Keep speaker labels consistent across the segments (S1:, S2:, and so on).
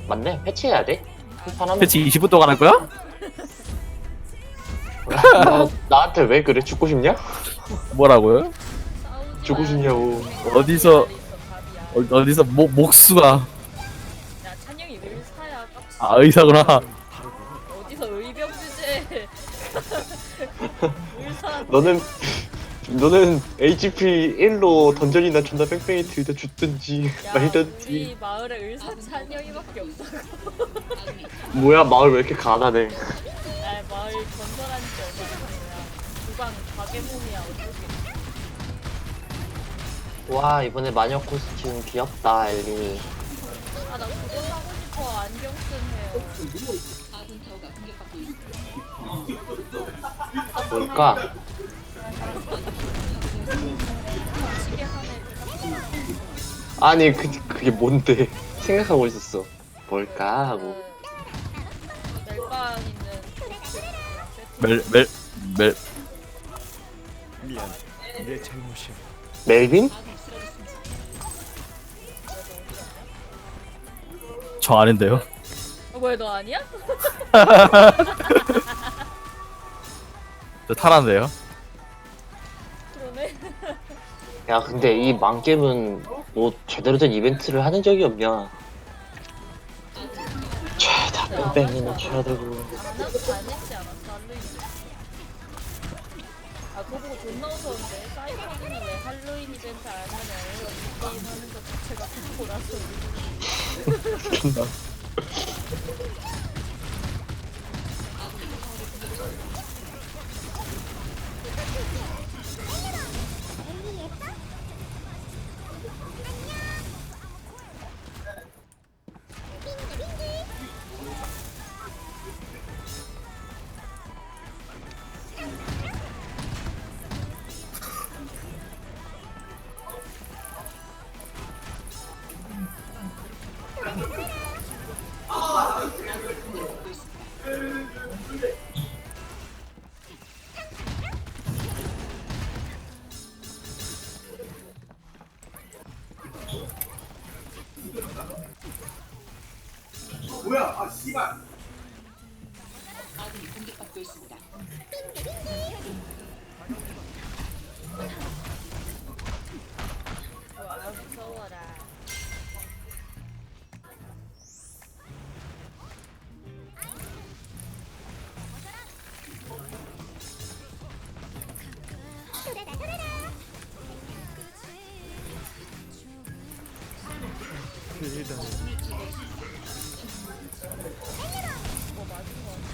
S1: 맞네. 패치해야 돼. 한판
S2: 패치 20분 동안 할 거야?
S1: 나한테 왜 그래? 죽고 싶냐?
S2: 뭐라고요?
S3: 싸우지
S1: 죽고
S3: 마요.
S1: 싶냐고.
S2: 어디서-
S3: 밥이야.
S2: 어디서 목수가
S3: 야 찬영이 의사야 깝치지.
S2: 아 의사구나.
S3: 어디서 의병 주제. 의사.
S1: 너는 HP 1로 던전이나 존나 뺑뺑이 들다 죽든지
S3: 야
S1: 말든지.
S3: 우리 마을에 의사 찬영이밖에 없어.
S1: 뭐야 마을 왜 이렇게 가난해?
S3: 야 마을 건설한 지 얼마 안 됐냐. 주방 가게 몸이야 어떡해.
S1: 와 이번에 마녀 코스튬 귀엽다 엘리.
S3: 아나 그거 사고 싶어 안경 쓴 헤어.
S1: 뭘까?
S3: 시계 하네.
S1: 아니 그게 뭔데? 생각하고 있었어. 뭘까 하고.
S3: 멜빵 있는
S2: 멜
S4: 미안, 내 잘못이야.
S1: 멜빈?
S2: 저 아는데요.
S3: 왜 너 아니야?
S2: 저 타란데요.
S3: 그러네.
S1: 야 근데 이 망겜은 뭐 제대로 된 이벤트를 하는 적이 없냐? 죄다 뺑뺑이나 쳐야 되고.
S3: 안 했지 않았어 할로윈. 아 그거 보고 존나 웃었는데 사이버는 왜 할로윈 이벤트 안 하냐고. 게임 하는 것 자체가 공포라서.
S1: 존나.
S3: 와 무서워라.
S4: 일단
S3: 뭐 맞은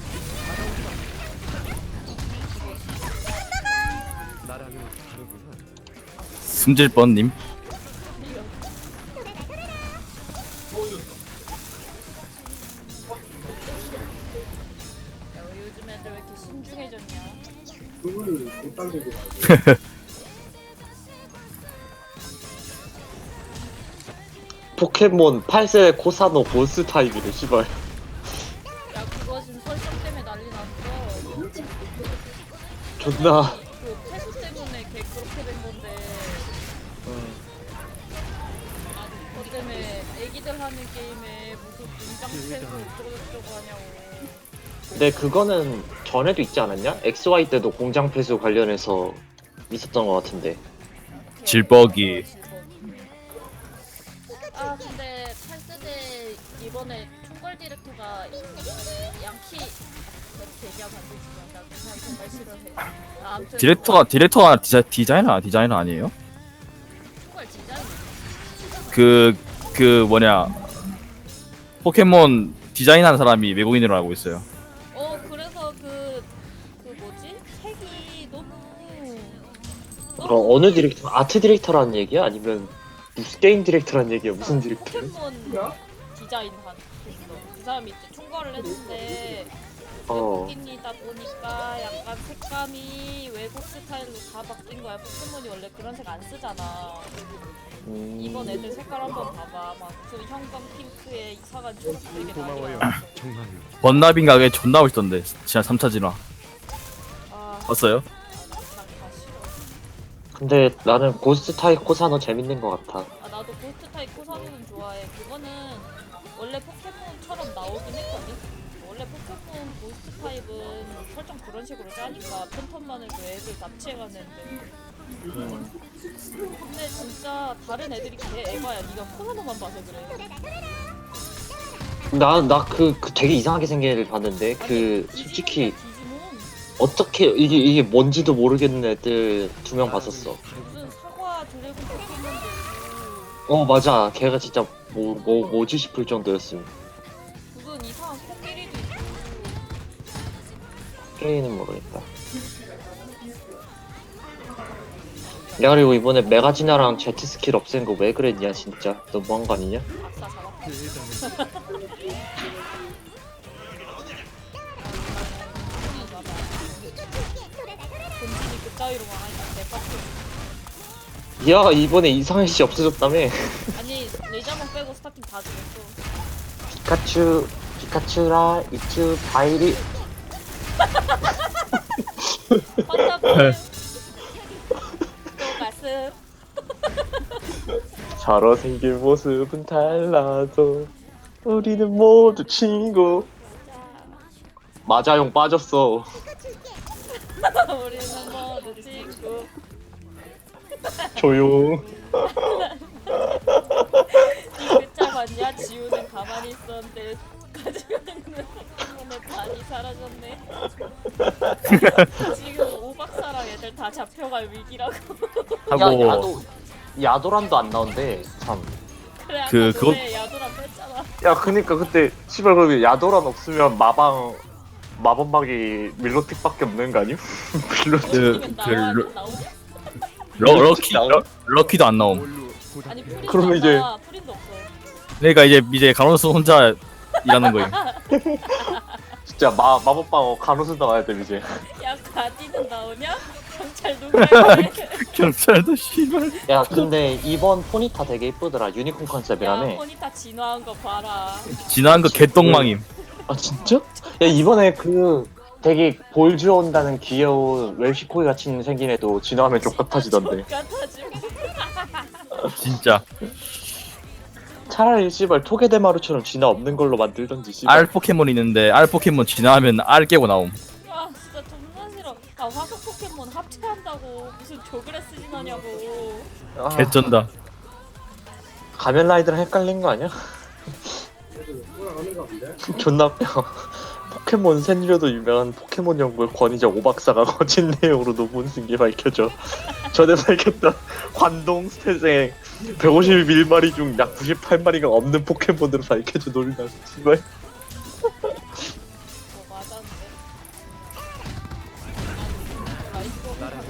S3: 거
S4: 나랑은 다르구나.
S2: 승질 뻔님.
S3: 야, 왜 요즘 애들 왜 이렇게 신중해졌냐?
S1: 포켓몬 8세 코사노 보스 타입이래 씨발.
S3: 야, 그거 지금 설정 때문에 난리 났어.
S1: 존나.
S3: 그 패스 때문에 걔 그렇게 된 건데. 그것 때문에 애기들 하는 게임에 무슨 공장 패스 어쩌고저쩌고 하냐고.
S1: 근데 그거는 전에도 있지 않았냐? XY 때도 공장 폐수 관련해서 있었던 것 같은데.
S2: 질뻑이.
S3: 아, 근데 8세대 이번에 총괄 디렉터가 양키 이렇게 얘기하면 안 되지만 나 그 사람 정말 싫어해. 아, 아무튼
S2: 디렉터가 디자이너 아니에요?
S3: 총괄 디자인.
S2: 그 뭐냐 포켓몬 디자인하는 사람이 외국인으로 알고 있어요.
S3: 그래서 그 뭐지? 색이 너무
S1: 어느 디렉터? 아트 디렉터라는 얘기야? 아니면 무슨 게임 디렉터라는 얘기야? 무슨 디렉터야?
S3: 포켓몬 디자인 한 있어. 그 사람이 이제 총괄을 했는데
S1: 어.
S3: 외국인이다 보니까 약간 색감이 외국 스타일로 다 바뀐 거야. 포켓몬이 원래 그런 색 안 쓰잖아. 이번 애들 색깔 한번 봐봐. 막 무슨 형광 핑크에 이상한 초록색이
S4: 고마워요.
S3: 나뉘어.
S4: 정말로.
S2: 번나빈 가게 존나 멋있던데. 진짜 3차 진화
S3: 아,
S2: 봤어요?
S3: 다 싫어.
S1: 근데 나는 고스트 타입 코사노 재밌는 것 같아.
S3: 아 나도 고스트 타입 코사노는 좋아해. 그거는 원래 포켓몬 나오긴 했거든. 원래 포켓몬 고스트 타입은 설정 그런 식으로 짜니까 팬텀만 해도 애들 납치해갔는데. 근데 진짜 다른 애들이 개 에바야. 네가 코나노만 봐서 그래.
S1: 나 되게 이상하게 생긴 애를 봤는데, 솔직히, 어떻게, 이게 뭔지도 모르겠는 애들 2명 봤었어.
S3: 무슨 사과 드래곤 포켓몬도 있고
S1: 맞아. 걔가 진짜 뭐지 싶을 정도였음.
S3: 무슨 이상한 코끼리도 있고.
S1: 게임은 모르겠다. 야, 그리고 이번에 메가지나랑 제트 스킬 없앤 거 왜 그랬냐, 진짜. 너무한 거 아니냐?
S3: 아싸 잡았다.
S4: 대단해.
S3: 본진이 그따위로 망하니까 내빡쳐.
S1: 야, 이번에 이상해 씨 없어졌다며.
S3: 아니 레이저만 빼고 스타팅 다 죽였어.
S1: 피카츄라, 이츄, 바이리.
S3: 환자분 또 말씀.
S1: 서로 생긴 모습은 달라도 우리는 모두 친구. 마자용 빠졌어.
S3: 우리는 모두 친구.
S1: 조용.
S3: 이 글자 봤냐? 지우는 가만히 있었는데 가지고 있는 포켓몬은 반이 사라졌네. 지금 오박사랑 애들 다 잡혀갈 위기라고.
S2: 하고
S1: 야도란도 안 나온대. 참.
S3: 그래 아까
S2: 그-
S3: 노래 야도랑 뺐잖아.
S1: 야, 그니까 그때 씨발 그러면 야도란 없으면 마법막이 밀로틱밖에 없는 거 아니야?
S3: 이건 나와
S2: 그
S3: 나오냐?
S2: 럭키도 안 나옴.
S4: 뭘로 보답해야
S3: 아니 프린도
S1: 그러면
S3: 안
S1: 이제-
S3: 나와. 프린도 없어.
S2: 그러니까 이제 가로수 혼자 일하는 거임.
S1: 진짜 마법방 간호사 나와야 돼 이제.
S3: 야 가디는 나오냐? 경찰 누구야?
S2: 경찰도 씨발.
S1: 야, 근데 이번 포니타 되게 이쁘더라. 유니콘
S3: 야
S1: 컨셉이라며.
S3: 포니타 진화한 거 봐라.
S2: 지나간 거 개똥망임.
S1: 아, 진짜? 야, 이번에 되게 볼 주온다는 귀여운 웰시코이 같이 생긴 애도 진화하면 족같아지던데.
S3: 같아지고.
S2: 진짜.
S1: 차라리 씨발 토게데마루처럼 진화 없는 걸로 만들던지 씨발.
S2: 알 포켓몬 있는데 알 포켓몬 지나면 알 깨고 나옴.
S3: 아 진짜 존나 싫어. 아 화석 포켓몬 합체한다고 무슨 조그레스 진화냐고.
S1: 아,
S2: 개쩐다.
S1: 가면라이더랑 헷갈린 거 아니야? 존나 웃겨. 포켓몬 센류도 유명한 포켓몬 연구의 권위자 오박사가 거친 내용으로 논문 쓴 게 밝혀져. 전에 밝혔던 관동 스탯에 151마리 중 약 98마리가 없는 포켓몬으로 밝혀져 놀이나. 씨발.
S3: 뭐 맞았는데. 라이프
S4: 나라는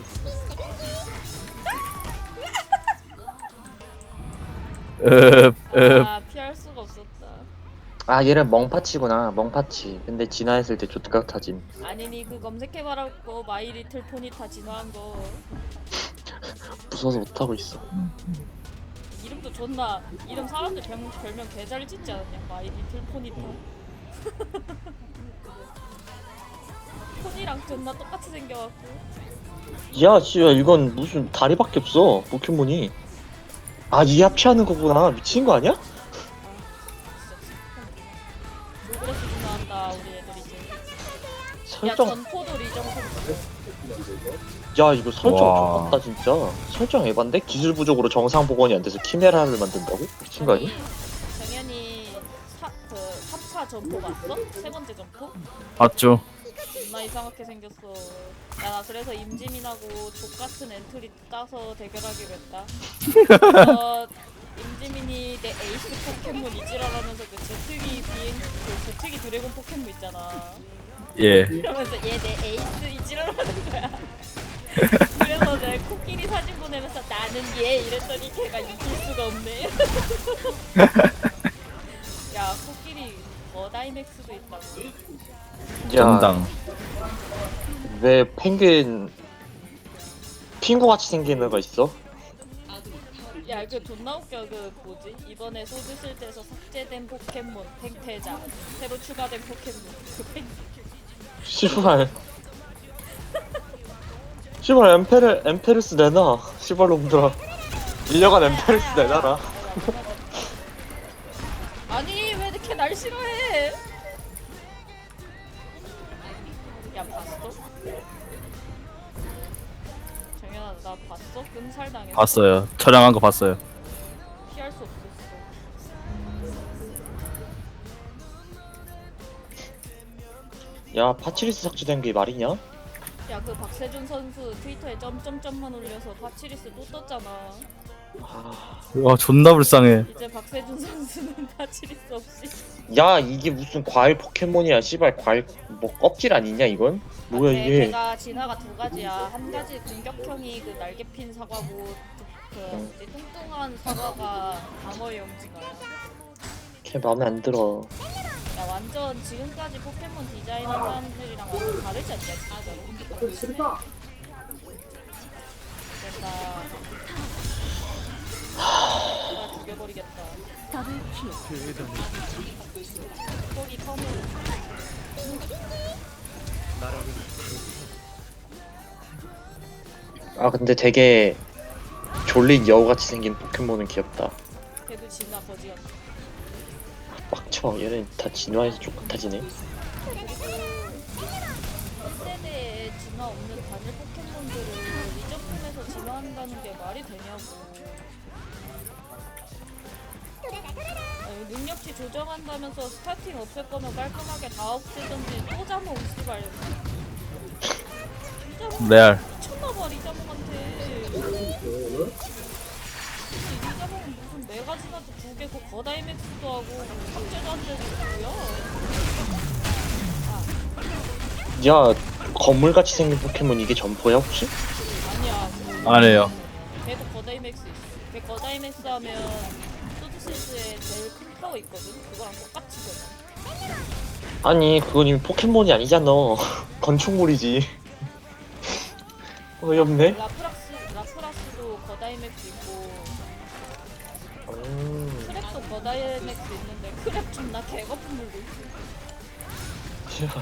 S3: 아 피할 수가 없었다.
S1: 아, 얘는 멍파치구나. 멍파치. 근데 진화했을 때 족같아짐.
S3: 아니니 그 검색해봐라고 마이 리틀 포니타 진화한 거.
S1: 무서워서 못하고 있어.
S3: 이름도 존나 이름 사람들 별명 개잘 짓지 않았냐? 마이 리틀 포니타. 포니랑 존나 똑같이 생겨갖고.
S1: 야, 씨발, 이건 무슨 다리밖에 없어. 포켓몬이. 아, 이 합체하는 거구나. 미친 거 아니야?
S3: 조그레스 진화한다 우리 애들 이제. 야
S1: 설정.
S3: 전포도 리정성.
S1: 야, 이거 설정
S2: 와.
S1: 좋았다 진짜. 설정 에반데? 기술 부족으로 정상 복원이 안 돼서 키메라를 만든다고? 미친 거 아니야?
S3: 정현이 그 3차 점포 봤어? 세 번째 점포?
S2: 봤죠.
S3: 존나 이상하게 생겼어. 야 나 그래서 임지민하고 족같은 엔트리 따서 대결하기로 했다. 임지민이 내 에이스 포켓몬 이지랄하면서 그 제트기 드래곤 포켓몬 있잖아.
S2: 예.
S3: 그러면서 얘 내 에이스 이지랄하는 거야. 그래서 내가 코끼리 사진 보내면서 나는 얘 이랬더니 걔가 이길 수가 없네. 야 코끼리 머다이맥스도 있다고.
S2: 정당.
S1: 왜 펭귄 핑구같이 생긴 애가 있어?
S3: 야 그 존나 웃겨. 그 뭐지 이번에 소드 실드에서 삭제된 포켓몬 팽태자 새로 추가된 포켓몬 그 팽.
S1: 씨발. 씨발, 엠페르스 내놔. 씨발 놈들아. 1년간 엠페르스 내놔라.
S3: 아니 왜 이렇게 날씨 싫어해. 야 봤어? 정연아 나 봤어? 끔살 당했어.
S2: 봤어요. 촬영한 거 봤어요.
S3: 피할 수 없었어.
S1: 야 파치리스 삭제된 게 말이냐?
S3: 야 그 박세준 선수 트위터에 점점점만 올려서 파치리스 또 떴잖아.
S2: 와 존나 불쌍해.
S3: 이제 박세준 선수는 파치리스 없이.
S1: 야 이게 무슨 과일 포켓몬이야 씨발 과일 뭐 껍질 아니냐 이건? 뭐야
S3: 근데
S1: 이게
S3: 걔가 진화가 두 가지야. 한 가지 공격형이 그 날개 핀 사과고 그 뭐지, 뚱뚱한 사과가 방어용 진화야.
S1: 걔 마음에 안 들어.
S3: 야 완전 지금까지 포켓몬 디자인한 사람들이랑 완전 다르지 않냐 진짜로. 된다. 나 죽여버리겠다. 거기 컴을.
S1: 아 근데 되게 졸린 여우같이 생긴 포켓몬은 귀엽다.
S3: 걔도 진화 거지였다.
S1: 빡쳐 얘는 다 진화해서 쫓아타지네.
S3: 그리고 1세대에 진화 없는 단일 포켓몬들을 리저품에서 진화한다는 게 말이 되냐고. 아니, 능력치 조정한다면서 스타팅 없앨 거면 깔끔하게 다 없애던지 또 자몽 씨발. 리자몽
S2: 레알.
S3: 미쳤나봐 리자몽한테. 리자몽은 무슨 메가진화도 두 개고 거다이맥스도 하고 삭제도 안 되고 뭐야?
S1: 야 건물같이 생긴 포켓몬 이게 점포야 혹시?
S3: 아니야.
S2: 안 해요.
S3: 걔도 거다이맥스 있어. 걔 거다이맥스 하면 소드실드에 제일 큰 파워 있거든? 그거랑 똑같이 되네.
S1: 아니 그건 이미 포켓몬이 아니잖아. 건축물이지. 어이없네.
S3: 라프라스도 거다이맥스 있고
S1: 음.
S3: 크랩도 거다이맥스 있는데 크랩 존나 개거품 물고 있어.
S1: 야.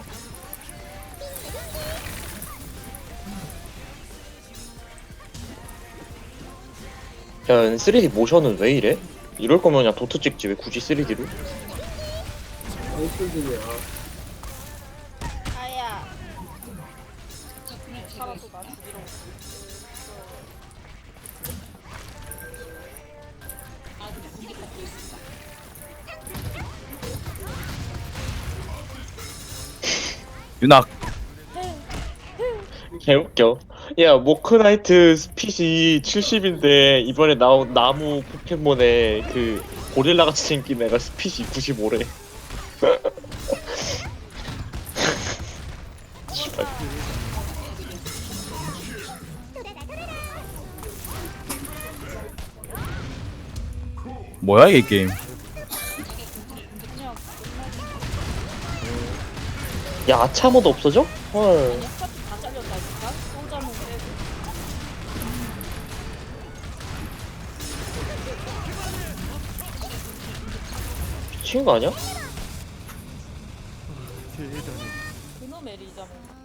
S1: 야 3D 모션은 왜 이래? 이럴 거면 그냥 도트 찍지 왜 굳이 3D로?
S3: 아야. 살아도 나 죽이러 오고.
S2: 윤학.
S1: 개웃겨. 야 모크나이트 스핏이 70인데 이번에 나온 나무 포켓몬에 그 고릴라같이 생긴 애가 스핏이 95래. 씨발.
S2: 뭐야 이게 게임.
S3: 그냥
S1: 야 아차모도 없어져? 헐.
S3: 아니 스타트 다 잘렸다니까? 소자몽 빼고.
S1: 미친 거 아니야?
S3: 그놈의 리자몽.